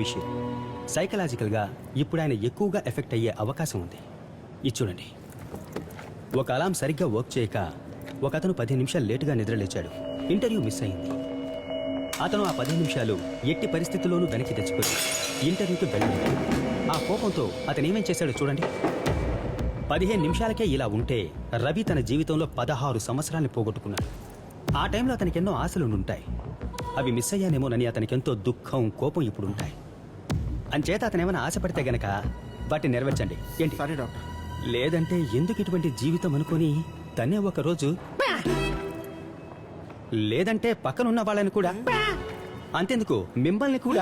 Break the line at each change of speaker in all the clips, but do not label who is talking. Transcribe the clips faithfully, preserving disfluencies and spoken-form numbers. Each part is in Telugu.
ఆర్టిఫిషియల్. సైకలాజికల్గా ఇప్పుడు ఆయన ఎక్కువగా ఎఫెక్ట్ అయ్యే అవకాశం ఉంది. ఇది చూడండి. ఒక అలారం సరిగ్గా వర్క్ చేయక ఒక అతను పదిహేను నిమిషాలు లేటుగా నిద్రలేచాడు. ఇంటర్వ్యూ మిస్ అయింది. అతను ఆ పదిహేను నిమిషాలు ఎట్టి పరిస్థితుల్లోనూ వెనక్కి తెచ్చుకొని ఇంటర్వ్యూకి వెళ్ళాడు. ఆ కోపంతో అతను ఏమేం చేశాడో చూడండి. పదిహేను నిమిషాలకే ఇలా ఉంటే రవి తన జీవితంలో పదహారు సంవత్సరాన్ని పోగొట్టుకున్నాడు. ఆ టైంలో అతనికి ఎన్నో ఆశలు ఉంటాయి. అవి మిస్ అయ్యానేమోనని అతనికి ఎంతో దుఃఖం, కోపం ఇప్పుడు ఉంటాయి. అంచేత అతను ఏమైనా ఆశపడితే గనక వాటిని నెరవేర్చండి. ఏంటి?
Sorry doctor.
లేదంటే ఎందుకు ఇటువంటి జీవితం అనుకుని తనే ఒక రోజు, లేదంటే పక్కనున్న వాళ్ళని కూడా, అంతెందుకు మిమ్మల్ని కూడా.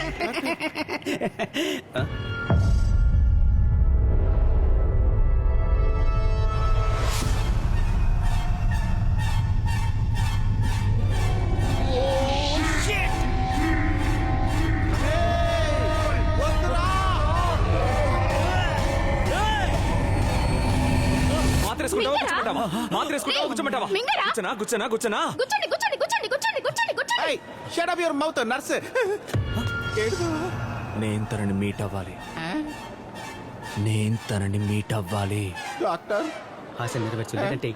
నేను తనని మీట్ అవ్వాలి. నేను తనని మీట్ అవ్వాలి.
డాక్టర్
ఆశ నెరవేర్చు, లేదంటే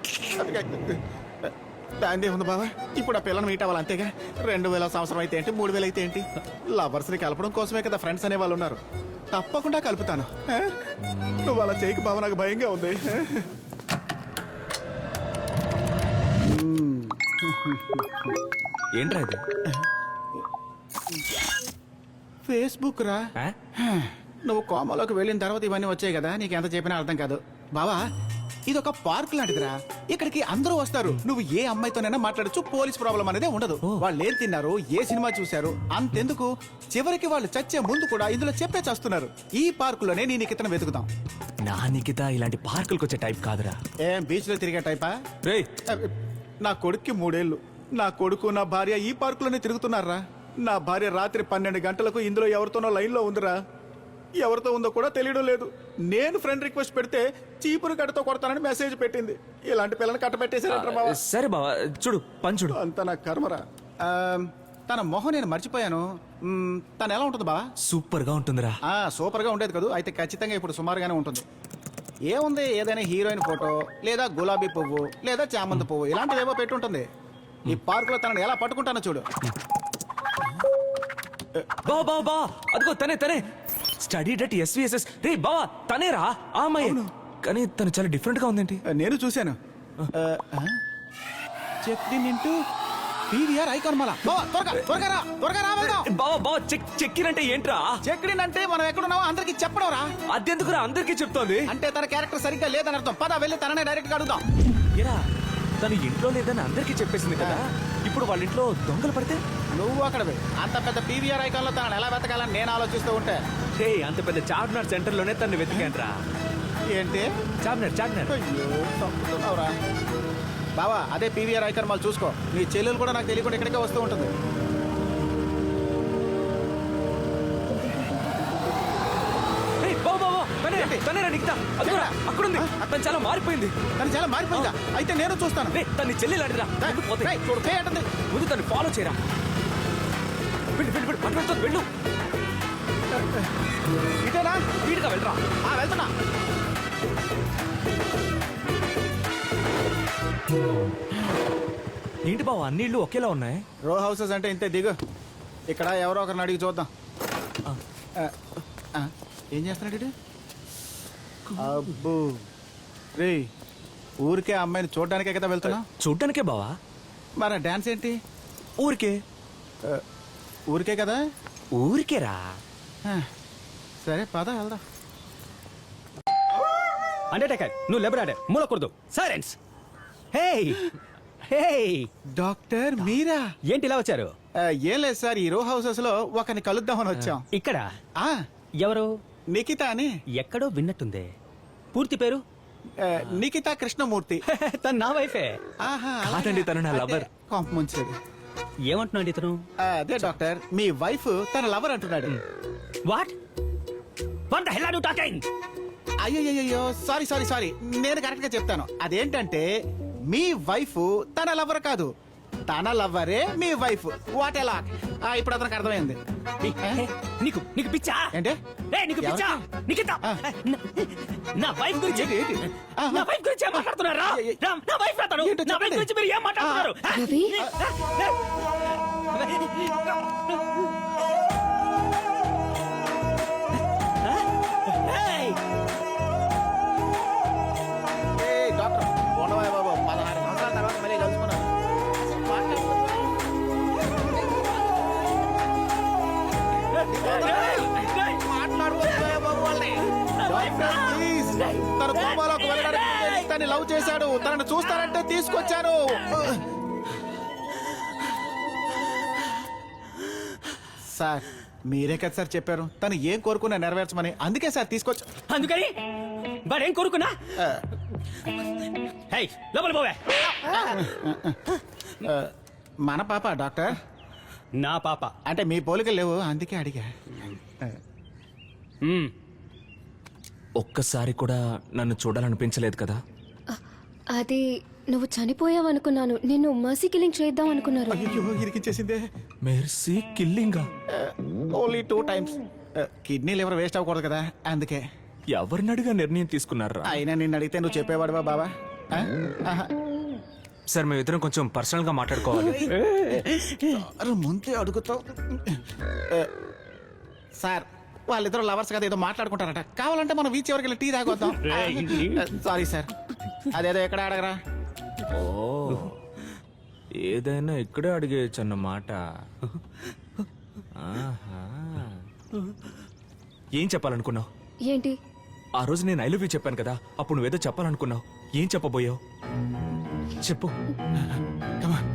దాందే ఉంది బాబా. ఇప్పుడు ఆ పిల్లని మీట్ అవ్వాలి అంతేగా. రెండు వేల సంవత్సరం అయితే ఏంటి, మూడు వేలు అయితే ఏంటి, లవర్స్ ని కలపడం కోసమే కదా ఫ్రెండ్స్ అనే వాళ్ళు ఉన్నారు. తప్పకుండా కలుపుతాను. నువ్వు అలా చేయకు బాబా, నాకు భయంగా ఉంది.
ఏంట్రా ఇది?
ఫేస్బుక్ రా. నువ్వు కోమలోకి వెళ్ళిన తర్వాత ఇవన్నీ వచ్చాయి కదా, నీకు ఎంత చెప్పినా అర్థం కాదు బావా. ఇది ఒక పార్క్ లాంటిదిరా. ఇక్కడికి అందరూ వస్తారు. నువ్వు ఏ అమ్మాయితోనైనా మాట్లాడచ్చు. పోలీస్ ప్రాబ్లం అనేది ఉండదు. వాళ్ళు ఏం తిన్నారు, ఏ సినిమా చూశారు, అంతెందుకు చివరికి వాళ్ళు చచ్చే ముందు కూడా ఇందులో చెప్పే చేస్తున్నారు. ఈ పార్క్ లోనే నీ నిఖితను వెతుకుతాం.
నా నిఖిత ఇలాంటి పార్కులకు వచ్చే టైప్ కాదురా.
ఏం బీచ్ లో తిరిగే టైపా?
రేయ్,
నా కొడుక్కి మూడేళ్లు. నా కొడుకు నా భార్య ఈ పార్క్ లోనే తిరుగుతున్నారా. నా భార్య రాత్రి పన్నెండు గంటలకు ఇందులో ఎవరితోనో లైన్ లో ఉందిరా. ఎవరితో ఉందో కూడా తెలియడం లేదు. నేను ఫ్రెండ్ రిక్వెస్ట్ పెడితే చీపురు కట్టతో కొడతానని మెసేజ్ పెట్టింది. ఇలాంటి పిల్లని కట్టబెట్టేసారంటారా బావా?
సరే బావా, చూడు పని చూడు.
అంత నా కర్మరా. ఆ, తన మొహం నేను మర్చిపోయాను. మ్, తను ఎలా ఉంటుంది బావా?
సూపర్ గా ఉంటుందిరా.
ఆ, సూపర్ గా ఉండేది కదా. అయితే ఖచ్చితంగా ఇప్పుడు సుమారుగానే ఉంటుంది. ఏముంది, ఏదైనా హీరోయిన్ ఫోటో లేదా గులాబీ పువ్వు లేదా చామంతి పువ్వు ఇలాంటివి ఏవో పెట్టి ఉంటుంది. ఈ పార్క్ లో తనని ఎలా పట్టుకుంటానో చూడు.
బావా బావా బావా, అదిగో తనే తనే స్టడీ డట్ ఎస్విఎస్ఎస్. రే బావా, తనేరా ఆ అమ్మాయి. కానీ తను చాలా డిఫరెంట్ గా ఉందేంటి?
నేను చూశాను. Check in into PVR Icon mall. బావా త్వరగా త్వరగా రా, త్వరగా రా వెళ్దాం.
బావా బావా, చెక్ చెక్ ఇన్ అంటే ఏంట్రా?
చెక్ ఇన్ అంటే మనం ఎక్కడున్నామో అందరికి చెప్పడం రా.
అదెందుకురా అందరికీ చెప్తోంది?
అంటే తన క్యారెక్టర్ సరిగ్గా లేదని అర్థం. పద వెళ్ళి తననే డైరెక్ట్ గా అడుగుదాం.
ఏరా, తను ఇంట్లో లేదని అందరికీ చెప్పేసింది కదా. ఇప్పుడు వాళ్ళ ఇంట్లో దొంగలు పడితే
నువ్వు అక్కడ అంత పెద్ద పీవీఆర్ ఐకాన్ లో తనని ఎలా వెతకాలని నేను ఆలోచిస్తూ ఉంటే.
హే, అంత పెద్ద చార్మినార్ సెంటర్ లోనే తను వెతికాన్రా.
ఏంటి
చార్మినార్ చార్మినార్
అయ్యో తప్పుతున్నావురా బావా. అదే పీవీఆర్ ఐకాన్ మాల్ చూసుకో. నీ చెల్లెలు కూడా నాకు తెలియకుండా ఇక్కడికే వస్తూ ఉంటుంది.
అక్కడుంది. తను చాలా మారిపోయింది.
తను చాలా మారిపోయిందా? అయితే నేను చూస్తాను.
తన చెల్లి లాంటిరా. ముందు తను ఫాలో చేయరా. వెళ్ళు వెళ్ళు వెళ్ళు, పట్టుకుంటూ వెళ్ళు.
ఇటేనా?
వీడిగా వెళ్ళరా.
వెళ్తున్నా.
ఏంటి బావ, అన్ని ఇళ్ళు ఒకేలా ఉన్నాయి?
రో హౌసెస్ అంటే ఇంతే. దిగు. ఇక్కడ ఎవరో ఒకరిని అడిగి చూద్దాం. ఏం చేస్తున్నాడు ఇటు? అబ్బో రే, ఊరికే అమ్మాయిని చూడడానికే కదా వెళ్తున్నా?
చూడ్డానికే బావా.
మరి డాన్స్ ఏంటి?
ఊరికే.
ఊరికే కదా?
ఊరికేరా.
సరే పద వెళ్దాం.
అండర్టేకర్, నువ్వు లెబరాడే మూలకూడదు. సైలెన్స్. హే హే
డాక్టర్ మీరా?
ఏంటి ఇలా వచ్చారు?
ఏం లేదు సార్, ఈ రో హౌసెస్ లో ఒకరిని కలుద్దామని వచ్చాం.
ఇక్కడ
ఆ
ఎవరు?
నిఖిత అని.
ఎక్కడో విన్నట్టుందే. పూర్తి పేరు?
నిఖిత కృష్ణమూర్తి.
తను నా వైఫే.
కాదండి, తను నా లవర్.
ముంచేది.
ఏమంటున్నాడు ఇతను?
అదే డాక్టర్, మీ వైఫ్ తన లవర్ అంటున్నాడు.
What what the hell are you talking?
అయ్యో సారీ సారీ సారీ నేను కరెక్ట్ గా చెప్తాను. అదేంటంటే మీ వైఫ్ తన లవర్ కాదు, తన లవ్వరే మీ వైఫ్ వాట్ ఎలా ఇప్పుడు అతనికి అర్థమైంది
ఏయ్, ఏయ్, నీకు నీకు పిచ్చా
ఏంటి?
ఏయ్, నీకు పిచ్చా నీకింత
ఆ.
నా వైఫ్ గురించి
ఏంటి, ఏంటి? ఆ,
నా వైఫ్ గురించి ఏం మాట్లాడుతున్నారా
ఏ, ఏ,
నా- నా వైఫ్ అతను
ఏంటో
నా వైఫ్
చెప్పండి.
గురించి మీరు ఏం మాట్లాడుతున్నారు
రవి?
ఏయ్,
ఏయ్, డాక్టర్ ఉండవా బాబు పదహారు సంవత్సరాల తర్వాత మళ్ళీ కలుసుకున్నాను
ఏయ్,
మాట్లాడుకోవా బాబు వాళ్ళని డాక్టర్ ప్లీజ్ తన కోమాలోకి వెళ్ళడానికి ముందే తన్ని లవ్ చేశాడు తనని చూస్తానంటే తీసుకొచ్చాను సార్ మీరే కదా సార్ చెప్పారు తను ఏం కోరుకున్నా నెరవేర్చమని అందుకే సార్ తీసుకొచ్చా
అందుకని వాడేం కోరుకున్నా
ఆ,
హై లోపల పోవే
ఆ, మన పాప డాక్టర్
నా పాప
అంటే మీ పోలికలు లేవు అందుకే అడిగా
మ్మ్.
ఒక్కసారి కూడా నన్ను చూడాలనిపించలేదు కదా
అ- అది నువ్వు చనిపోయావనుకున్నాను నిన్ను మర్సీ కిల్లింగ్ చేద్దాం అనుకున్నారు
అయ్యో ఇరికించేసిందే
మెర్సీ కిల్లింగా
only two times kidney liver waste అవ్వకూడదు కదా అందుకే
ఎవరిని అడిగా నిర్ణయం తీసుకున్నారా
అయినా నిన్ను అడిగితే నువ్వు చెప్పేవాడువా బాబా ఆ? ఆహా.
సార్ మేమిద్దరం కొంచెం పర్సనల్ గా మాట్లాడుకోవాలి
అరే ముందే అడుగుతావు ఆ, సార్ వాళ్ళిద్దరు లవర్స్ కదా ఏదో మాట్లాడుకుంటారట కావాలంటే మనం బీచ్ ఎవరికి వెళ్ళి టీ తాగొద్దాం సారీ సార్ అదేదో ఎక్కడ అడగరా
ఓ ఏదైనా ఇక్కడే అడిగేయచ్చు అన్నమాట ఆహా. ఏం చెప్పాలనుకున్నావు
ఏంటి
ఆ రోజు నేను ఐ లవ్ యూ చెప్పాను కదా అప్పుడు నువ్వేదో చెప్పాలనుకున్నావు ఏం చెప్పబోయావు చెప్పు
Come on.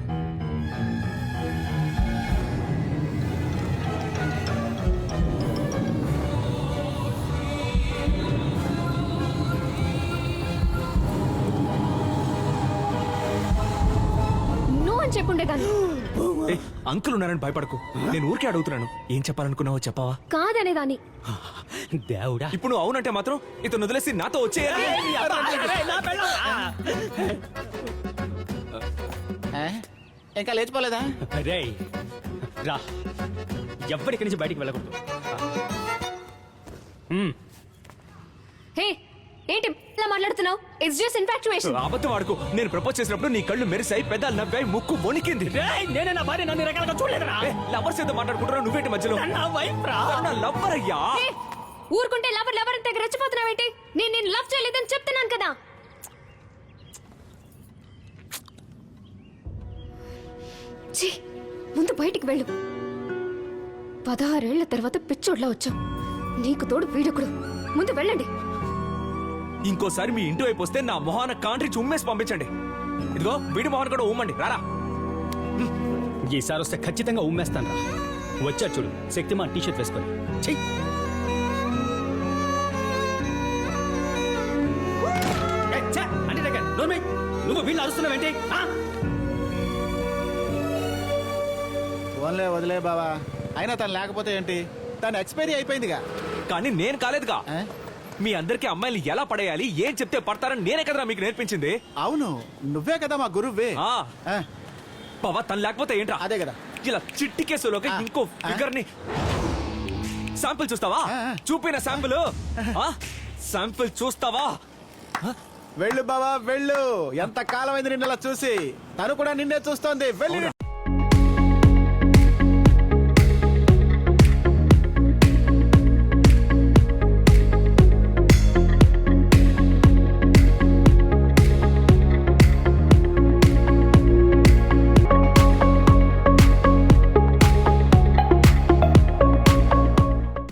నువ్వు అని చెప్పుండేదాన్ని
ఏయ్, అంకుల్ ఉన్నారని భయపడకు నేను ఊరికే అడుగుతున్నాను ఏం చెప్పాలనుకున్నావో చెప్పావా
కాదనేదాన్ని
దేవుడా
ఇప్పుడు నువ్వు అవునంటే మాత్రం ఇతను వదిలేసి నాతో వచ్చేయాలి
అరే, నా పెళ్ళాం.
ఆ? ఇంకా లేచిపోలేదా
రేయ్ రా ఎవ్వరికి నుంచి బయటికి వెళ్ళకూడదు మ్మ్.
హే ఏంటి ఇలా మాట్లాడుతున్నావు ఇట్స్ జస్ట్ ఇన్ఫాక్చుయేషన్
అబద్ధం ఆడుకో నేను ప్రపోజ్ చేసినప్పుడు నీ కళ్ళు మెరిసాయి పెదాలు నవ్వాయి ముక్కు వణికింది
రేయ్, నేనే నా భార్య నన్ను రకాలుగా చూడలేదురా
లవర్స్ ఏదో మాట్లాడుకుంటున్నావు నువ్వేంటి మధ్యలో
నా వైఫ్ రా
నా లవ్వర్ అయ్యా
ఊరుకుంటే లవర్ లవర్ అంత రెచ్చిపోతున్నావేంటి నేను నేను లవ్ చేయలేదని చెప్తున్నాను కదా ఛీ, ముందు బయటికి వెళ్ళు పదహారేళ్ల తర్వాత పిచ్చోడ్లా వచ్చావు నీకు తోడు వీడకుడు ముందు వెళ్ళండి
ఇంకోసారి మీ ఇంటి వైపు వస్తే నా మొహాన కాంట్రీ ఉమ్మేసి పంపించండి ఇదిగో వీడి మొహాన్ కూడా ఉమ్మండి రారా
ఈసారి వస్తే ఖచ్చితంగా ఉమ్మేస్తాను రా వచ్చాడు చూడు శక్తిమాన్ టీ షర్ట్ వేసుకొని చెయ్యి అంటే దగ్గర నువ్వు వీళ్ళు అరుస్తున్నావేంటి ఆ?
ఓన్లే వదిలే బావా అయినా తను లేకపోతే ఏంటి తను ఎక్స్పైరీ అయిపోయిందిగా
కానీ నేను కాలేదుగా
ఆ?
మీ అందరికి అమ్మాయిలు ఎలా పడేయాలి ఏం చెప్తే పడతారని నేనే కదరా మీకు నేర్పించింది
అవును నువ్వే కదా మా గురువే
ఆ
ఆ,
పవా తను లేకపోతే ఏంట్రా
అదే కదా
ఇలా చిట్టి కేసులోకి
ఆ,
ఇంకో
ఆ.
ఫిగర్ ని శాంపిల్ చూస్తావా
ఆ, ఆ.
చూపిన శాంపిల్ శాంపిల్ చూస్తావా
వెళ్ళు బావా వెళ్ళు ఎంత కాలం అయింది నిన్న చూసి తను కూడా నిన్నే చూస్తోంది వెళ్ళి